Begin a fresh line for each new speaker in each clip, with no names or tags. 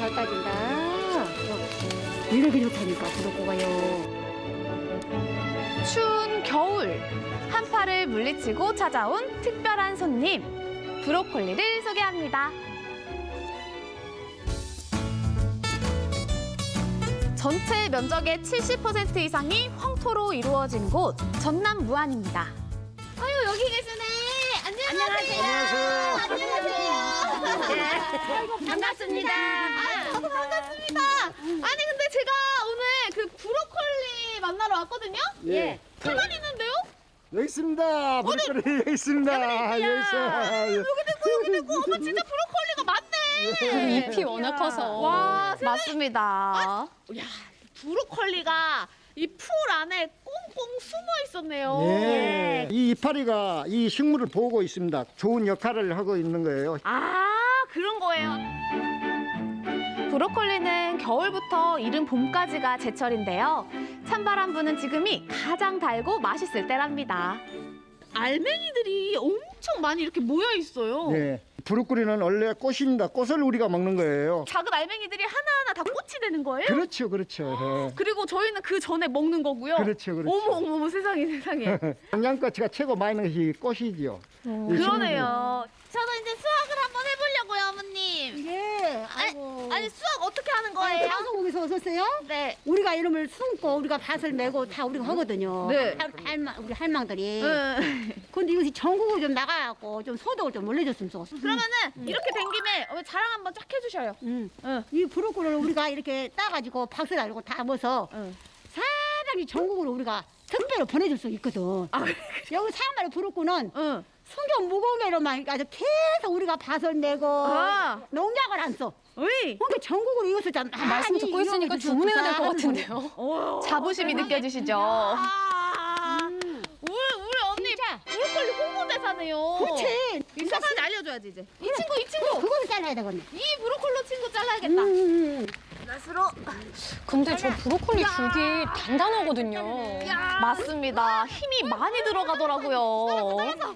따진다. 이렇게 좋다니까 브로콜리가요.
추운 겨울 한파를 물리치고 찾아온 특별한 손님 브로콜리를 소개합니다. 전체 면적의 70% 이상이 황토로 이루어진 곳 전남 무안입니다. 아유 여기 계시네. 안녕하세요.
아이고 반갑습니다.
저도 반갑습니다. 아니 근데 제가 오늘 그 브로콜리 만나러 왔거든요.
예.
가만히 있는데요?
여기 있습니다. 브로콜리 여기 있습니다. 여기 있어요.
여기 있고 어머 진짜 브로콜리가 많네.
잎이 워낙 커서.
와 맞습니다. 야 브로콜리가 이 풀 안에 꽁꽁 숨어 있었네요.
예. 이 이파리가 이 식물을 보고 있습니다. 좋은 역할을 하고 있는 거예요.
아 그런 거예요. 브로콜리는 겨울부터 이른 봄까지가 제철인데요. 찬바람 부는 지금이 가장 달고 맛있을 때랍니다. 알맹이들이 엄청 많이 이렇게 모여 있어요.
예. 브로콜리는 원래 꽃입니다. 꽃을 우리가 먹는 거예요.
작은 알맹이들이 하나하나 다 꽃이 되는 거예요?
그렇죠, 그렇죠. 예.
그리고 저희는 그 전에 먹는 거고요.
그렇죠, 그렇죠.
어머 세상에 세상에.
영양가치가 최고 많이 있는 것이 꽃이지요. 이
그러네요. 저도 이제 수학을 한번 해보려고요, 어머님.
예. 아이고.
아니 수학 어떻게 하는 거예요?
방송국에서 오셨어요?
네.
우리가 이름을 숨고 우리가 밭을 메고 다 우리가 하거든요.
네.
우리 할망들이.
응.
근데 이것이 전국으로 좀 나가갖고 좀 소득을 좀 올려줬으면 좋겠어.
그러면은 이렇게 된 김에 자랑 한번 쫙 해주셔요.
응.
응.
이 브로콜리를 우리가 이렇게 따가지고 박스 달고 담아서
응.
사방이 전국으로 우리가 특별히 보내줄 수 있거든. 여기 사마리 브로콜리는
응.
성경 무공예로만 아주 계속 우리가 밭을 내고
아.
농약을 안 써.
어이.
그러니까 전국으로 이것을 좀
말씀 듣고 있으니까 주문해야 될 것 같은데요. 자부심이 느껴지시죠?
우리 언니
진짜.
브로콜리 홍보대사네요.
그렇지.
이 사람한테 알려줘야지 이제. 이 친구.
그걸 잘라야 되거든.
이 브로콜리 친구 잘라야겠다. 낫으로.
근데 저 브로콜리 줄기 단단하거든요.
맞습니다. 힘이 많이 들어가더라고요. 잘랐어.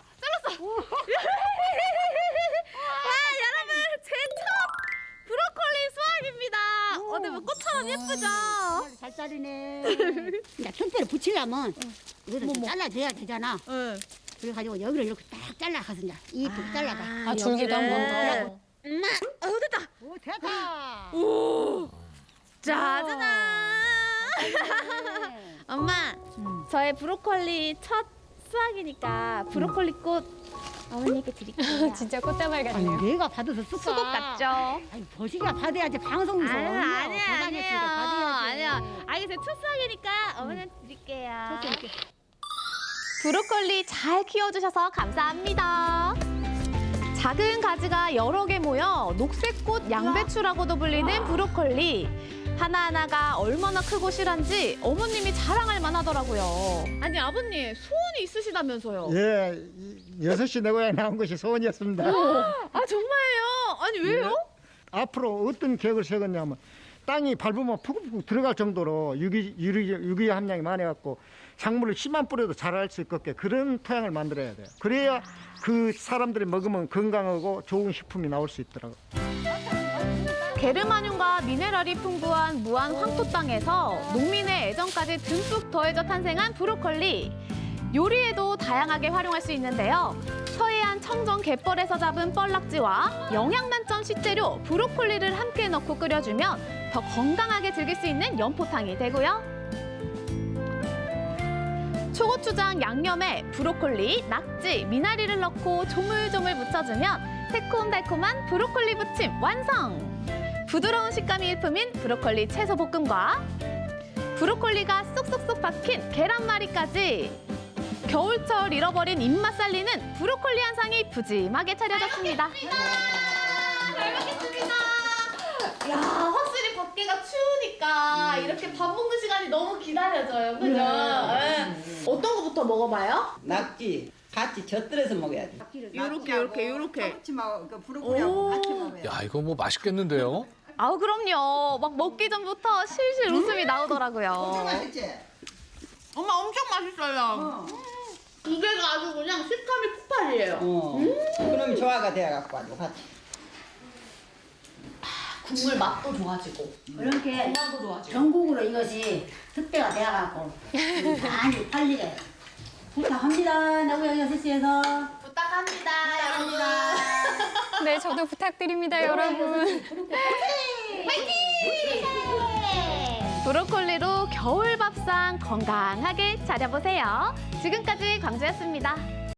와 여러분 제 첫 브로콜리 수확입니다. 어때 뭐 꽃처럼 예쁘죠?
잘 자르네. 나 특별히 붙이려면 이거를 좀 잘라줘야 되잖아.
응.
그래가지고 여기를 이렇게 딱 잘라가서 이제 이쁘게 잘라봐.
아, 줄기도 한번 더.
엄마, 됐다.
오 됐다.
오, 짜잔. 엄마, 저의 브로콜리 첫 수확이니까 브로콜리 꽃 어머니께 드릴게요.
진짜 꽃다발
아니
같네요.
내가 받아서 쓸까?
수국 같죠?
아니 버시가 받아야지 방송에서.
아니야. 알겠어요. 첫 수확이니까 어머니한테 드릴게요. 브로콜리 잘 키워주셔서 감사합니다. 작은 가지가 여러 개 모여 녹색꽃 양배추라고도 불리는 브로콜리. 하나하나가 얼마나 크고 실한지 어머님이 자랑할 만하더라고요. 아니 아버님 소원이 있으시다면서요?
예, 6시 내 고향에 나온 것이 소원이었습니다.
아 정말요? 아니 왜요?
앞으로 어떤 계획을 세웠냐면 땅이 밟으면 푹푹 들어갈 정도로 유기 함량이 많아갖고 작물을 씨만 뿌려도 자랄 수 있게 그런 토양을 만들어야 돼요. 그래야 그 사람들이 먹으면 건강하고 좋은 식품이 나올 수 있더라고요.
게르마늄과 미네랄이 풍부한 무안 황토 땅에서 농민의 애정까지 듬뿍 더해져 탄생한 브로콜리. 요리에도 다양하게 활용할 수 있는데요. 서해안 청정 갯벌에서 잡은 뻘낙지와 영양 만점 식재료 브로콜리를 함께 넣고 끓여주면 더 건강하게 즐길 수 있는 연포탕이 되고요. 초고추장 양념에 브로콜리, 낙지, 미나리를 넣고 조물조물 무쳐주면 새콤달콤한 브로콜리 부침 완성! 부드러운 식감이 일품인 브로콜리 채소 볶음과 브로콜리가 쏙쏙쏙 박힌 계란말이까지 겨울철 잃어버린 입맛 살리는 브로콜리 한 상이 푸짐하게 차려졌습니다. 잘 먹겠습니다. 야, 확실히 밖에가 추우니까 이렇게 밥 먹는 시간이 너무 기다려져요. 그죠? 어떤 거부터 먹어봐요?
낙지 같이 젓들어서 먹어야 돼.
요렇게.
참치하고 그 브로콜리하고 같이 먹어야 돼.
야, 이거 뭐 맛있겠는데요?
아우, 그럼요. 막 먹기 전부터 실실 웃음이 나오더라고요.
맛있지?
엄마 엄청 맛있어요. 두 개가 아주 그냥 식감이 폭발이에요.
그럼 조화가 돼갖고 아주 같이.
국물 맛도 좋아지고
그렇게
건강도 좋아지고.
전국으로 이것이 특배가 되어갖고 많이 팔리게 부탁합니다. 나고양 6시에서
부탁합니다, 여러분.
네, 저도 부탁드립니다, 여러분.
브로콜리로 겨울 밥상 건강하게 차려보세요. 지금까지 광주였습니다.